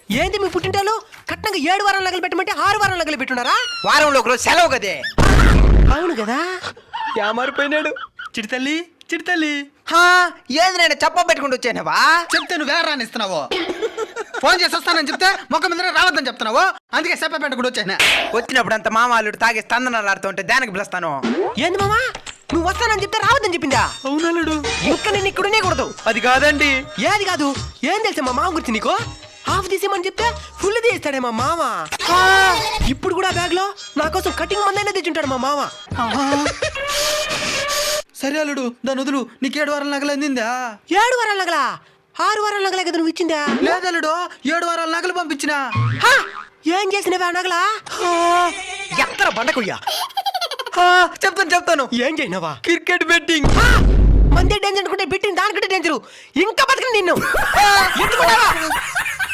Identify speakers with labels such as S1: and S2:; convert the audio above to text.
S1: ఏంది మీ పుట్టింటాలు కట్నంగా 7 వారాలు నగలు పెట్టమంటే 6 వారాలు నగలు పెట్టున్నారా?
S2: వారంలో ఒకరోజు సెలవు కదే.
S1: అవును కదా, మారిపోయినాడు. చిడితల్లి చిడితల్లి
S2: ఏది నేను చెప్ప పెట్టుకుంటూ వచ్చానవా?
S3: చెప్తే నువ్వు వేరే రానిస్తున్నావు. ఫోన్ చేసి వస్తానని చెప్తే మొక్క మీద రావద్దని చెప్తున్నావు. అందుకే చెప్ప పెట్టుకుంటూ వచ్చాను.
S2: వచ్చినప్పుడు అంత మామాలుడు తాగి స్తందనాలు ఆడుతుంటే దానికి పిలుస్తాను.
S1: ఏంది మామా నువ్వు వస్తానని చెప్తే రావద్దని చెప్పిందా?
S3: అవునాడు.
S1: ఇంకా నేను ఇక్కడనే కూడదు.
S2: అది కాదండి.
S1: ఏది కాదు, ఏం తెలుసా మా మామ గురించి నీకు? హాఫ్ తీసేమని చెప్తే ఫుల్ తీస్తాడే మా మామ. ఇప్పుడు కూడా బ్యాగ్ లో నా కోసం కటింగ్ మందైనా తెచ్చుంటాడు మా మామ.
S3: సరే అల్లుడు, దాని వదులు. నీకు 7 వారాల నగలు అందిందా?
S1: 7 వారాల నగలా? 6 వారాల నగలే కదా నువ్వు ఇచ్చిందా?
S3: లేదల్లుడు, 7 వారాల నగలు పంపించిన.
S1: ఏం చేసినవా నగలా?
S2: ఎత్తర బండకుయ్యా. చెప్తాను.
S1: ఏం చేయనవా?
S2: Cricket betting.
S1: మందే డేంజర్ అనుకుంటే బిట్టింగ్ దానికంటే డేంజరు. ఇంకా బతకను నిన్ను. ఎత్తుకున్నావా?